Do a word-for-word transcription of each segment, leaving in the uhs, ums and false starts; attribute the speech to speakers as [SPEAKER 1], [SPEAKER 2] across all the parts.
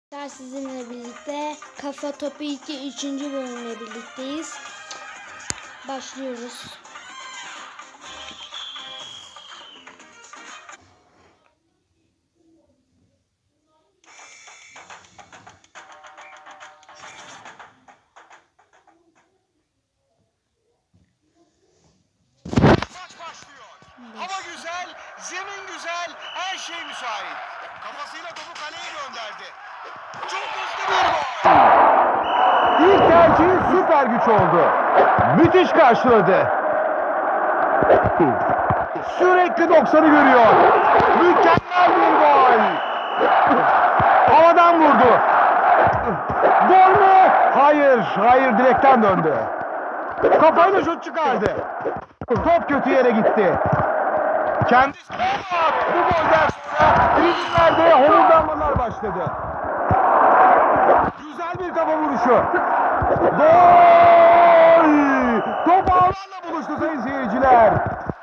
[SPEAKER 1] Sizinle birlikte Kafa Topu iki üçüncü bölümle birlikteyiz. Başlıyoruz.
[SPEAKER 2] Maç başlıyor. Hava güzel, zemin güzel, her şey müsait. Kafasıyla topu kaleye gönderdi. Çok hızlı bir gol.
[SPEAKER 3] İlk tercihi süper güç oldu. Müthiş karşıladı. Sürekli doksanı görüyor. Mükemmel bir gol. Havadan vurdu. Gol mü? Hayır, hayır direkten döndü. Kafayla şut çıkardı. Top kötü yere gitti. Kendisi bu golden sonra tribünlerde homurdanmalar başladı. Güzel bir kafa vuruşu. Gol! Top ağlarla buluştu sayın seyirciler.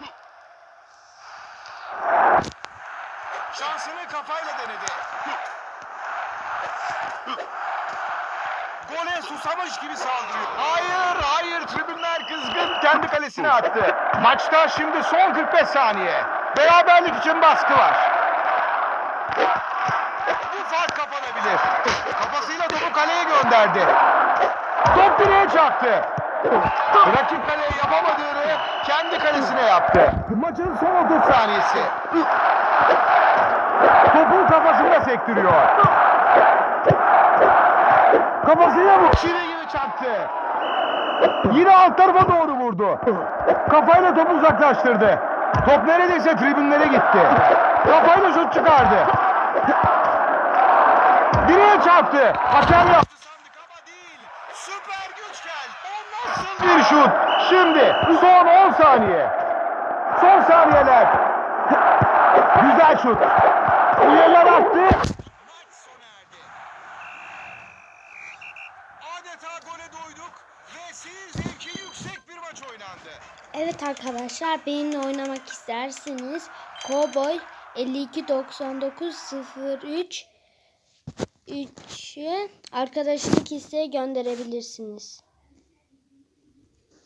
[SPEAKER 2] Şansını kafayla denedi. Gole susamış gibi saldırıyor.
[SPEAKER 3] Hayır, hayır. Tribünler kızgın. Kendi kalesine attı. Maçta şimdi son kırk beş saniye. Beraberlik için baskı var.
[SPEAKER 2] Bu fark kapanabilir. Kafasıyla topu kaleye gönderdi.
[SPEAKER 3] Top direğe çarptı. Rakip kaleye yapamadığını kendi kalesine yaptı. Maçın son otuz saniyesi. Topu kafasında sektiriyor. Kafasıyla bu. Çivi gibi çarptı. Yine alt tarafa doğru vurdu. Kafayla topu uzaklaştırdı. Top neredeyse tribünlere gitti. Kafayla şut çıkardı. Direğe çarptı. Hakem yaptı.
[SPEAKER 2] Sandık ama değil. Süper güç geldi. O
[SPEAKER 3] Nasıl bir şut? Şimdi son on saniye. Son saniyeler. Güzel şut. Uyalar attı.
[SPEAKER 2] Maç sona erdi. Adeta gole doyduk ve seyir zevki yüksek bir maç oynandı.
[SPEAKER 1] Evet arkadaşlar, benimle oynamak isterseniz Cowboy elli iki doksan dokuz sıfır üç üç'ü arkadaşlık isteği gönderebilirsiniz.